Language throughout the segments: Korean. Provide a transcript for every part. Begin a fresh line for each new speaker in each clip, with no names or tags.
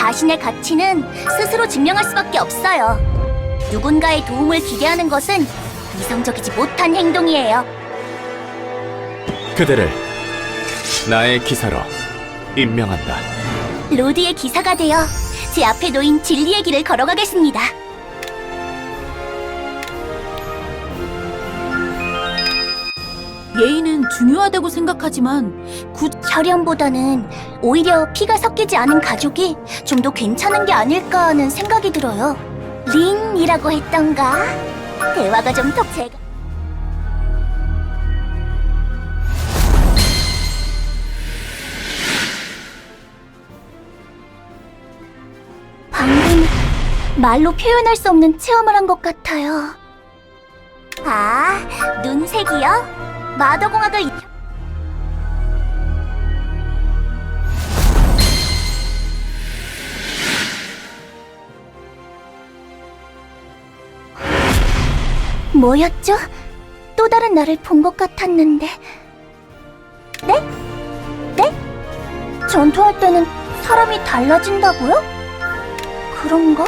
자신의 가치는 스스로 증명할 수밖에 없어요. 누군가의 도움을 기대하는 것은 이성적이지 못한 행동이에요.
그대를 나의 기사로 임명한다.
로드의 기사가 되어 제 앞에 놓인 진리의 길을 걸어가겠습니다.
예의는 중요하다고 생각하지만
혈연보다는 오히려 피가 섞이지 않은 가족이 좀 더 괜찮은 게 아닐까 하는 생각이 들어요. 린이라고 했던가? 대화가 좀 더 제가... 방금 말로 표현할 수 없는 체험을 한 것 같아요. 아, 눈색이요? 마더공학을 뭐였죠? 또 다른 나를 본 것 같았는데. 네? 네? 전투할 때는 사람이 달라진다고요? 그런가?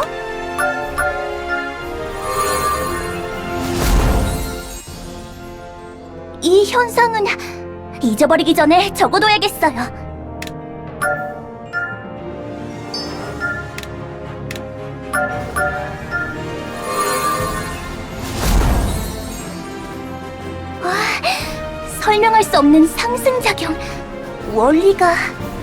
이 현상은 잊어버리기 전에 적어둬야겠어요. 설명할 수 없는 상승작용. 원리가